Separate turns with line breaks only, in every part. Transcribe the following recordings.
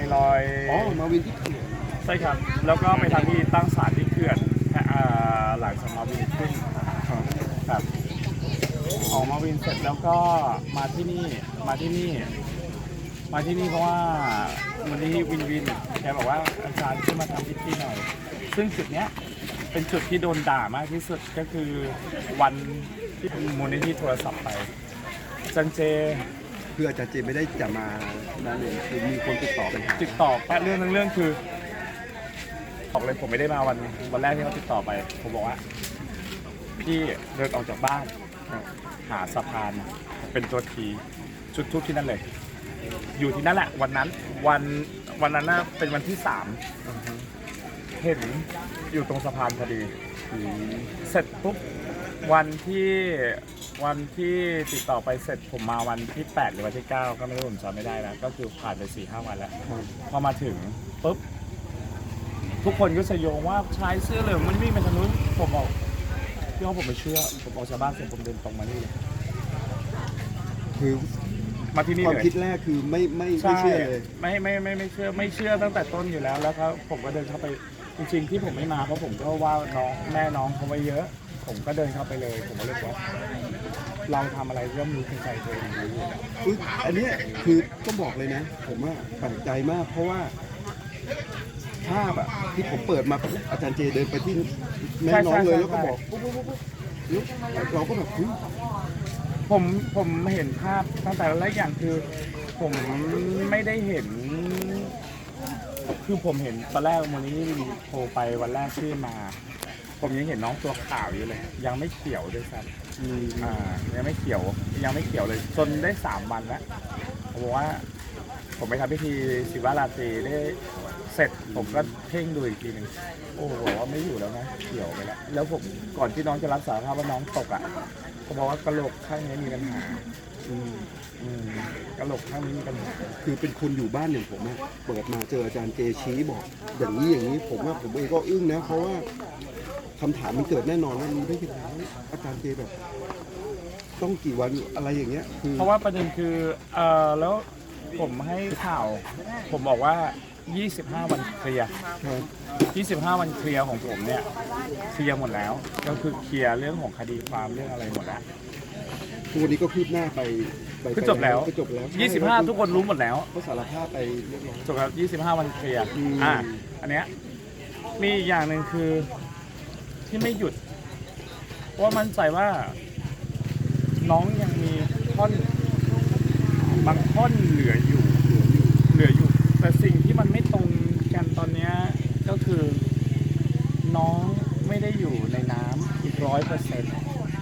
ลอย
มาวินที่เขื่อน
ใช่ครับแล้วก็ไปทางที่ตั้งศาลที่เขื่อนหลังจากมาวินขึ้นครับออกมาวินเสร็จแล้วก็มาที่นี่เพราะว่าวันนี้วินแกบอกว่าอาจารย์ขึ้นมาทำพิธีหน่อยซึ่งจุดเนี้ยเป็นจุดที่โดนด่ามากที่สุดก็คือวันที่มูลนิธิโทรศัพท์ไปจันเจ
คืออาจารย์เจไม่ได้จะมานั่นเองคือมีคนติดต่อไป
ติดต่อแป๊บเรื่องคือบอกเลยผมไม่ได้มาวันแรกที่เขาติดต่อไปผมบอกว่าพี่เดินออกจากบ้านหาสะพานเป็นตัวทีจุดทูบที่นั่นเลยอยู่ที่นั่นแหละวันนั้นน่ะเป็นวันที่3เห็นอยู่ตรงสะพานพอดีเสร็จปุ๊บวันที่ติดต่อไปเสร็จผมมาวันที่8หรือวันที่9ก็ไม่รู้ผมจำไม่ได้แล้วก็คือผ่านไป 4-5 วันแล้วพอมาถึงปุ๊บทุกคนก็สยองว่าชายเสื้อเหลืองมันวิ่งไปทางนู้นผมบอกพี่ว่าผมไม่เชื่อผมออกจากบ้านเสร็จผมเดินตรงมานี่เลย
คือ
มาที่นี่
เลยความคิดแรกคือไม่เชื่อเลย
ไม่เชื่อตั้งแต่ต้นอยู่แล้วครับผมก็เดินเข้าไปจริงๆที่ผมไม่มาเพราะผมก็ว่าน้องแม่น้องเขาไว้เยอะผมก็เดินเข้าไปเลยผมก็เลยบอกเราทำอะไรย่อมรู้ในใจตัวเองรู้อยู่แล้ว
อันนี้คือต้องบอกเลยนะผมว่าแปลกใจมากเพราะว่าภาพอะที่ผมเปิดมาอาจารย์เจเดินไปที่แม่น้องเลยแล้วก็บอกปุ๊บเราก็แบบ
ผมเห็นภาพตั้งแต่แรกอย่างคือผมไม่ได้เห็นคือผมเห็นตอนแรกวันนี้โทรไปวันแรกที่มาผมยังเห็นน้องตัวขาวอยู่เลยยังไม่เขียวด้วยซ้ำยังไม่เขียวเลยจนได้3 วันแล้วผมบอกว่าผมไปทำพิธีศิวราตรีได้เสร็จผมก็เพ่งดูอีกทีหนึ่งโอ้โหว่าไม่อยู่แล้วนะเขียวไปแล้วผมก่อนที่น้องจะรับสารภาพว่าน้องตกอ่ะเขาบอกว่ากระโหลกข้างนี้มีปัญหากระโหลกข้างนี้มีปัญหา
คือเป็นคนอยู่บ้านอย่างผมเปิดมาเจออาจารย์เจชี้บอกอย่างนี้ผมเองก็อึ้งนะเพราะว่าคำถามมันเกิดแน่นอนว่ารู้ได้ยังไงอาจารย์เจแบบต้องกี่วันอะไรอย่างเงี้ยคือ
เพราะว่าประเด็นคือแล้วผมให้ข่าวผมบอกว่า25 วันเคลียร์25 วันเคลียร์ของผมเนี่ยเคลียร์หมดแล้วก็คือเคลียร์เรื่องของคดีความเรื่องอะไรหมดแล้ว
ทุกวันนี้ก็คืบหน้าไป
ก็จบแล้ว25ทุกคนรู้หมดแล้ว
ก็สารภาพไปเรียบร้อย
จบแล้ว25 วันเคลียร์อันเนี้ยมีอย่างหนึ่งคือที่ไม่หยุดเพราะมั่นใจว่าน้องยังมีบางท่อนเหลืออยู่แต่สิ่งที่มันไม่ตรงกันตอนนี้ก็คือน้องไม่ได้อยู่ในน้ำอีก100%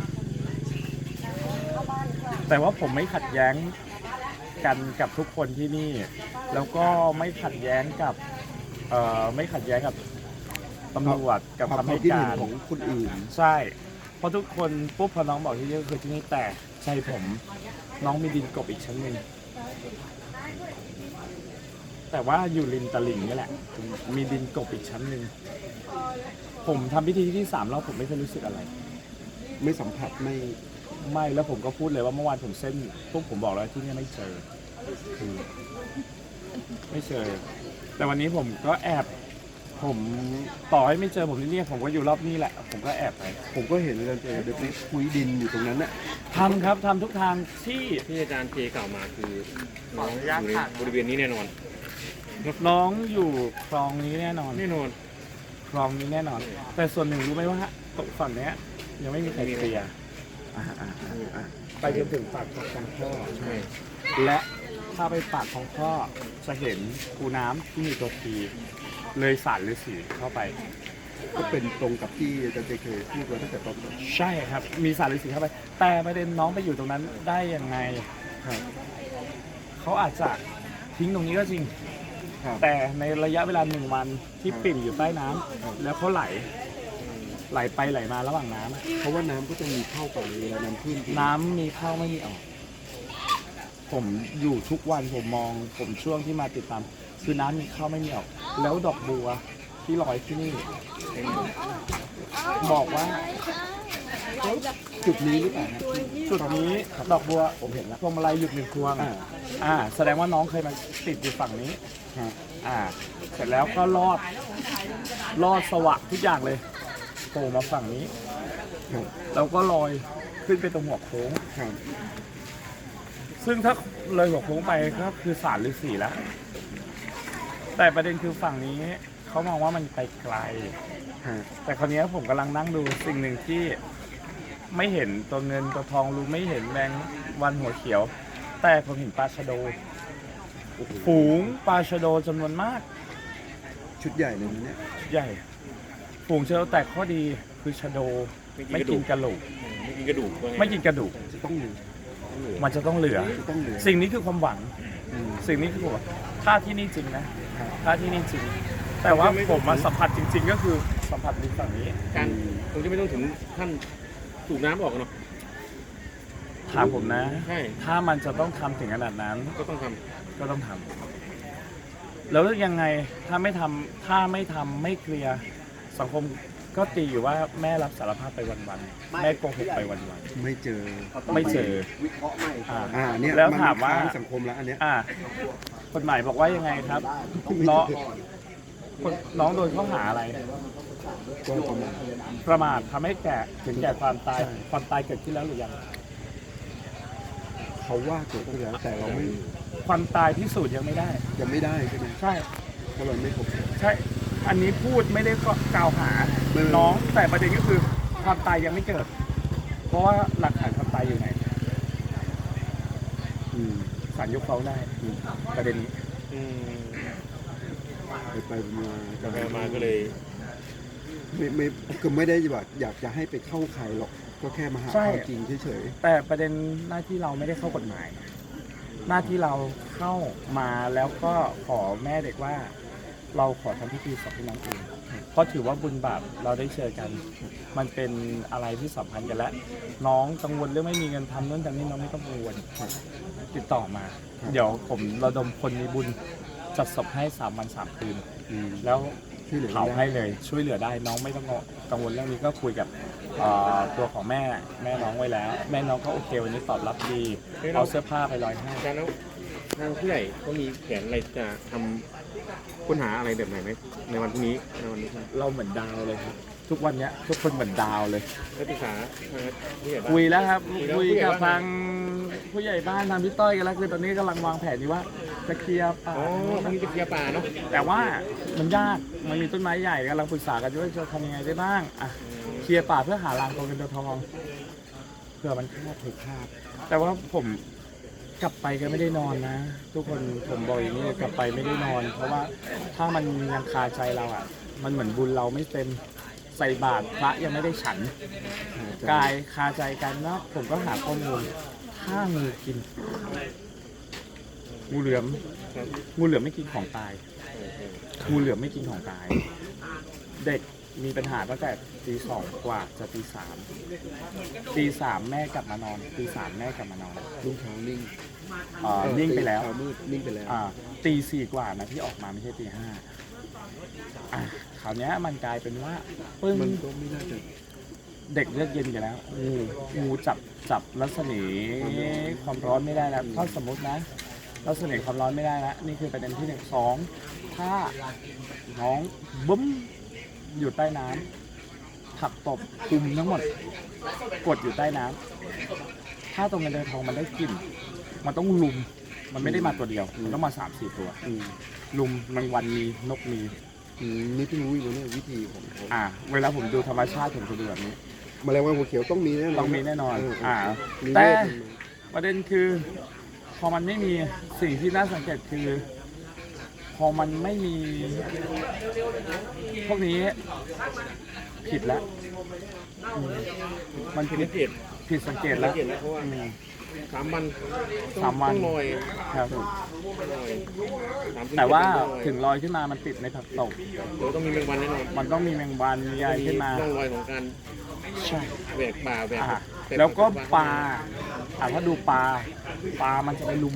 แต่ว่าผมไม่ขัดแย้งกันกับทุกคนที่นี่แล้วก็ไม่ขัดแย้งกับตำรวจกับคำให้การ
ของคนอื่น
ใช่เพราะทุกคนปุ๊บพอน้องบอกที่นี่คือที่นี่แต่ใจผมน้องมีดินกบอีกชั้นหนึ่งแต่ว่าอยู่ริมตลิ่งนี่แหละมีดินกบอีกชั้นหนึ่งผมทำพิธีที่3แล้วผมไม่เคยรู้สึกอะไร
ไม่สัมผัส
ไม่แล้วผมก็พูดเลยว่าเมื่อวานผมเส้นพวกผมบอกแล้วที่นี่ไม่เจอคือไม่เจอแต่วันนี้ผมก็แอบผมต่อให้ไม่เจอผมที่นี่ผมก็อยู่รอบนี้แหละผมก็แอบไป
ผมก็เห็นอาจารย์เจเด็กคุยดินอยู่ตรงนั้นน่ะ
ทำครับทำทุกทางที่
อาจารย์เจกล่าวมาคือน้องอยู่ในบริเวณนี้แน่นอน
น้องอยู่คลองนี้แน่นอนคลองนี้แน่นอนแต่ส่วนหนึ่งรู้ไหมว่าตกฝั่งนี้ยังไม่มีใครเคลียร์ไปจนถึงปากของท่อและถ้าไปปากของท่อจะเห็นคูน้ำที่มีตัวทีเลยสารฤาษีเข้าไป
ก็เป็นตรงกับที่อาจารย์เจเคยพูดไว้ตั้งแต่ต้น
ใช่ครับมีสารฤาษีเข้าไปแต่ประเด็นน้องไปอยู่ตรงนั้นได้ยังไงเขาอาจจะทิ้งตรงนี้ก็จริงแต่ในระยะเวลา1 วันที่ปิ่มอยู่ใต้น้ำแล้วเขาไหลไปไหลมาระหว่างน้ำ
เพราะว่าน้ำก็จะมีเข้าไปเวลาน้ำขึ้น
น้ำมีเข้าไม่มีออกผมอยู่ทุกวันผมมองผมช่วงที่มาติดตามคือน้ำมีเข้าไม่มีออกแล้วดอกบัวที่ลอยที่นี่บอกว่า
จุดนี้หรือเปล่าครับ
จุดนี้ดอกบัวผมเห็นแล้วพวงมาลัยหยุดหนึ่งพวง แสดงว่าน้องเคยมาติดอยู่ฝั่งนี้
ครับ
เสร็จแล้วก็ลอดสวะทุกอย่างเลยโผล่มาฝั่งนี้
ครับ
แล้วก็ลอยขึ้นไปตรงหัวโค้ง
ครับ
ซึ่งถ้าเลยหัวโค้งไปก็คือศาลฤาษีแล้ว แต่ประเด็นคือฝั่งนี้เขามองว่ามันไปไกล
ครับ
แต่คราวนี้ผมกำลังนั่งดูสิ่งหนึ่งที่ไม่เห็นตัวเงินตัวทองรู้ไม่เห็นแมงวันหัวเขียว แต่ผมเห็นปลาชะโด
โอ้โห
ฝูงปลาชะโดจำนวนมาก
ชุดใหญ่เลยนะเนี่ย
ใหญ่ ฝูงชะโดแต่ข้อดีคือชะโดไม่กินกระดูก
ไม่กินกระดูกว่าไง
ไม่กินกระดูก
จะต้องเหลือ
มันจะต้องเหลือ
จะต้องเหลือ
สิ่งนี้คือความหวัง
อืม
สิ่งนี้คือผมถ้าที่นี่จริงนะถ้าที่นี่จริง แต่ว่าผมมาสัมผัสจริง ๆ ก็คือสัมผัสดินฝั่งนี้
การคงจะไม่ต้องถึงขั้นสูบน้ำออกเนาะ
ถามผมนะ
ใช่
ถ้ามันจะต้องทำถึงขนาดนั้น
ก็ต้องท
ก็ต้องทำแล้วยังไงถ้าไม่ทำไม่เคลียร์สังคมก็ตีอยู่ว่าแม่รับสารภาพไปวันๆแม่โกหกไปวัน
ไม่เจอ
ๆไม่เจอ
เนี่ย
แล้ว
น
ถามว่า
ค้งสังคมแล้วอันเนี้ย
กฎหมายบอกว่ายังไงครับน้องน้องโดนข้อหาอะไร
ก็ประมาณ
ประมาททำให้แก่ถึงแก่ความตายความตายเกิดขึ้นแล้วหรือยัง
เขาว่าเกิดขึ้นแล้วแต่เราไม่
ความตายพิสูจน์ยังไม่ได้
ยังไม่ได้ใช่ไหม
ใช่
เพราะเราไม่ครบ
ใช่ อันนี้พูดไม่ได้กล่าวหา
ไม่
น้องแต่ประเด็นก็คือความตายยังไม่เกิด เพราะว่าหลักฐานความตายอยู่ไหน
อืม
ศาลยกฟ้องได้ประเด็นนี้
ำอืม
ไปมา
กาแฟมาก็เลย
ไม่คือไม่ได้แบบอยากจะให้ไปเข้าใครหรอกก็แค่มาหาความจริงเฉย
แต่ประเด็นหน้าที่เราไม่ได้เข้ากฎหมาย หน้าที่เราเข้ามาแล้วก็ขอแม่เด็กว่า เราขอทำพิธีศพให้น้องเองเพราะถือว่าบุญบาปเราได้เจอกัน มันเป็นอะไรที่สัมพันธ์กันแล้วน้องกังวลเรื่องไม่มีเงินทำนู่นทำนี่น้องไม่ต้องกังวลติดต่อมา เดี๋ยวผมระดมคนมีบุญจัดศพให้3 วัน 3 คืน
ๆอืม
แล้ว
ช่วยเหลือ
เผา
ได้
ให้เลยช่วยเหลือได้น้องไม่ต้องกังวลเรื่องนี้ก็คุยกับตัวของแม่น้องไว้แล้ว แม่น้องก็โอเควันนี้ตอบรับดีเอาเสื้อผ้าไปลอยให้
อาจารย์แล้วทางผู้ใหญ่ก็มีแผนอะไรจะทำค้นหาอะไรแบบไหนไหมในวันพรุ่งนี้ในวันนี้
เราเหมือนดาวเลยครับทุกวันเนี้ยทุกคนเหมือนดาวเลย
นักศึกษาผู้ใหญ่บ้าน
คุยแล้วครับ
คุ
คุย
ยแล้ว
กับทางผู้ใหญ่บ้านทางพี่ต้อยกันแล้วคือตอนนี้กำลังวางแผนอยู่ว่าจะเคลียร์ป่า
อ๋อพรุ่งนี้จะเคลียร์ป่าเนาะ
แต่ว่ามันยากมันมีต้นไม้ใหญ่กำลังปรึกษากันอยู่ว่าจะทำยังไงได้บ้างเคลียร์ป่าเพื่อหารางตัวเงินตัวทองเผื่อมันคาบถูกคาบแต่ว่าผมกลับไปก็ไม่ได้นอนนะ ทุกคนผมบอกอย่างนี้เลยกลับไปไม่ได้นอน เพราะว่าถ้ามันยังคาใจเราอ่ะ มันเหมือนบุญเราไม่เต็มใส่บาตรพระยังไม่ได้ฉัน กายคาใจกันเนาะผมก็หาข้อมูลถ้างูกินงูเหลือม
ครับ
งูเหลือมไม่กินของตายงูเหลือมไม่กินของตาย เด็กมีปัญหาตั้งแต่ตี 2กว่าจะตี 3แม่กลับมานอนตี 3แม่กลับมานอน
ลูกเช้านิ่ง
นิ่งไปแล้ว
เช้ามืดนิ่งไปแล้ว
ตี 4กว่านะที่ออกมาไม่ใช่ตี 5คราวเนี้ยมันกลายเป็นว่าปึ้ง
มันก็ไม่น่าจะ
เด็กเลือดเย็นกันแล้วงูจับรัศมีความร้อนไม่ได้แล้วถ้าสมมตินะรัศมีความร้อนไม่ได้แล้วนี่คือประเด็นที่1 2ถ้าน้องบึ้มอยู่ใต้น้ำผักตบคุมทั้งหมดกดอยู่ใต้น้ำถ้าตรงเงินเดินทองมันได้กลิ่นมันต้องลุมมันไม่ได้มาตัวเดียวมันต้องมา 3-4 ตัว
อืม
ลุมแมงวันมีนกมี
นี่เพิ่งรู้อยู่เนี่ยวิธีของเขา
เวลาผมดูธรรมชาติผมจะดูแบบนี้
แมลงวันหัวเขียวต้องมีแน่นอน
ต้องมีแน่นอน
มี
แต่
เวท
ประเด็นคือพอมันไม่มีสิ่งที่น่าสังเกตคือ พอมันไม่มี พวกนี้ผิดแล้วมัน
ผิด
ผิ
สั
ด
งเกต
ผิดสังเกตแล้ว
เพราะว่า 3 วัน
3 วัน
ต้องลอย
ครับ
ลอย3-7
แต่ว่า
ต้องลอย
ถึงลอยขึ้นมามันติดในผักตบ
เดี๋ยวต้องมีแมงวันแน่นอน
มันต้องมีแมงวันมีอะไรขึ้นมา
ร่องรอยของการ
ใช่
แหวกป่าแหวก
แล้วก็ปลาถ้าดูปลามันจะไปลุม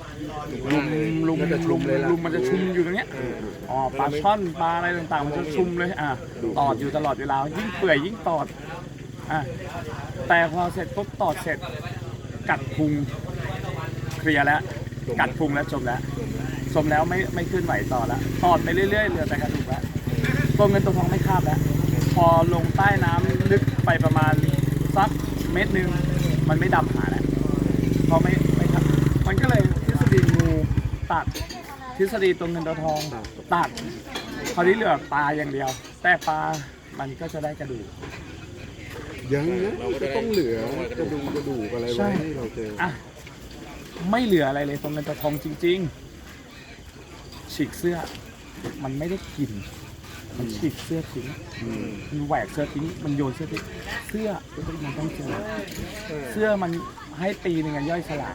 มันจะชุมอยู่ตรงเนี้ยปลาช่อนปลาอะไรต่างๆมันจะชุมเลยตอดอยู่ตลอดเวลายิ่งเปื่อยยิ่งตอดแต่พอเสร็จปุ๊บตอดเสร็จกัดพุงเคลียร์แล้วกัดพุงแล้วจมแล้วไม่ขึ้นไหวต่อแล้วตอดไปเรื่อยๆเหลือแต่กระดูกแล้วตัวเงินตัวทองไม่คาบแล้วพอลงใต้น้ำลึกไปประมาณสักเมตรนึงมันไม่ดำหาแล้วพอไม่ครับมันก็เลยทฤษฎีงูตัดทฤษฎีตัวเงินตัวทองตัดคราวนี้เหลือปลาอย่างเดียว แต่ปลามันก็จะได้กระดูก
ยังนะจะต้องเหลือกระดูกอะไร
ใช่
ไว้ให้เราเจอ
อ่ะไม่เหลืออะไรเลยตัวเงินตัวทองจริงๆฉีกเสื้อมันไม่ได้กินมันฉีกเสื้อทิ้งมันแหวกเสื้อทิ้งมันโยนเสื้อทิ้งเสื้อมันต้องเจอเสื้อมันให้ปีหนึ่งย่อยสลาย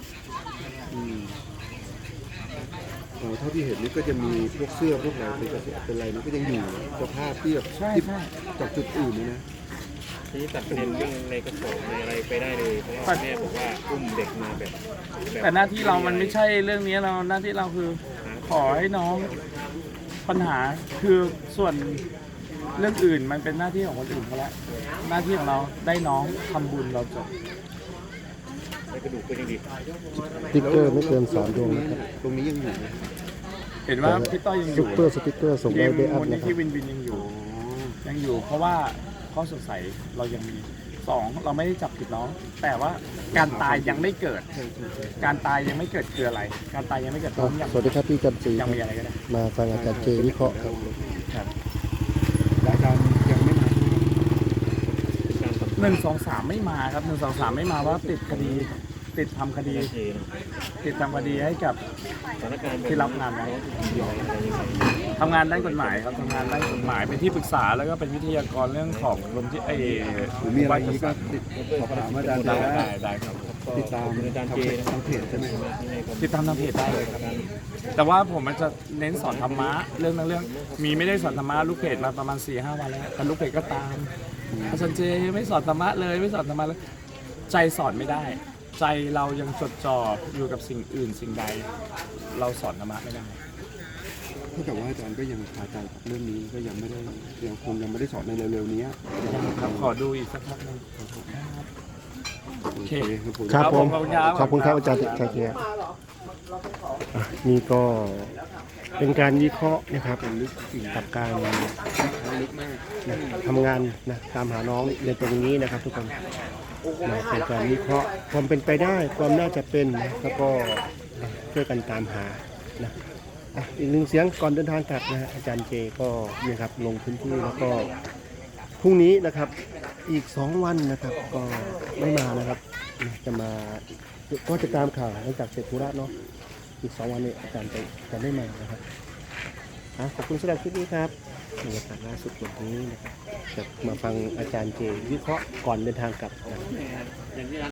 เท่าที่เห็นนี่ก็จะมีพวกเสื้อพวกอะไรเป็นอะไรนี่ก็ยังอยู่สภาพที่แบบ
ใช่ใช่
จากจุดอื่นนี่นะ
ทีนี้ตัดประเด็นเรื่องในกระสอบในอะไรไปได้เลยเพราะว่าแม่บอกว่าอุ้มเด็กมาแบบ
แต่หน้าที่เรามันไม่ใช่เรื่องนี้เราหน้าที่เราคือขอให้น้องปัญหาคือส่วนเรื่องอื่นมันเป็นหน้าที่ของคนอื่นเขาแล้วหน้าที่ของเราได้น้องทำบุญเราจบ
ในกระดูกเป็นยังดี
สติ๊กเกอร์ไม่เกิน3 ดวงนะครับ
ตรงนี้ยังอยู่ไหม
เห็นว่าพี่ต้อยยังอ
ซุ
ยู่
ปเปอร์สติ๊กเกอร์ส่ง
ที
ได้
ม
เบอัพ
มูลนิ
นะครั
ธิ
บ
วินวินยังอยู่เพราะว่าข้อสงสัยเรายังมี2เราไม่ได้จับผิดน้อง แต่ว่าการตายยังไม่เกิด การตายยังไม่เกิดคืออะไร การตายยังไม่เกิดน้องยัง
สวัสดีครับพี่จันทรี
ยังมีอะไรก็ได้
มาฟังอาจารย์เจวิเคราะห์ครับ
ครับ
และอาจารย์ยังไม่มา
การสัมภาษณ์
1 2 3ไม่มาครับ1 2 3ไม่มาว่าติดคดีติดทำคดี
เจนะ
ติดทำคดีให้กับ
สถานการณ์
ที่รับงานไว้
ยอมอะไรยังไง
ทำงานด้านกฎหมายครับทำงานด้านกฎหมายเป็นที่ปรึกษาแล้วก็เป็นวิทยากรเรื่องของรวมที่
หรือมีอะไรอีกก็ติดสอบถามอาจารย์
ได้
ได้
ได้ครับ
ติดตาม
อาจารย์เจนะ
ทางเพจใช่ไหม
ติดตามทางเพจได้เลยครับแต่ว่าผมมันจะเน้นสอนธรรมะเรื่องมีไม่ได้สอนธรรมะลูกเพจมาประมาณ 4-5 วันแล้วแต่ลูกเพจก็ตามอาจารย์เจไม่สอนธรรมะเลยไม่สอนธรรมะเลยใจสอนไม่ได้ ใจเรายังจดจ่ออยู่กับสิ่งอื่นสิ่งใด เราสอนธรรมะไม่ได้
เท่ากับว่าอาจารย์ก็ยังคาใจกับเรื่องนี้ก็ยังคงยังไม่ได้สอนในเร็วๆนี้
ครับขอดูอีกสักพักหนึง
โอเคครับผม
ครับผม
ขอบคุณครับ
ขอบคุณครับอาจารย์ชัยเกียรตินี่ก็เป็นการวิเคราะห์นะครับกับการ
ลึกมาก
นะทำงานนะตามหาน้องในตรงนี้นะครับทุกคนนะเป็นการวิเคราะห์ความเป็นไปได้ความน่าจะเป็นนะแล้วก็ช่วยกันตามหานะอีกหนึ่งเสียงก่อนเดินทางกลับนะฮะอาจารย์เจก็เนี่ยครับลงพื้นที่แล้วก็พรุ่งนี้นะครับอีก2 วันนะครับก็ไม่มานะครับจะมาก็จะตามข่าวหลังจากเสร็จธุระเนาะอีก2 วันนี้อาจารย์จะไม่มานะครับขอบคุณสำหรับคลิปนี้ครับบรรยากาศล่าสุดวันนี้นะครับจะมาฟังอาจารย์เจวิเคราะห์ก่อนเดินทางกลับนะ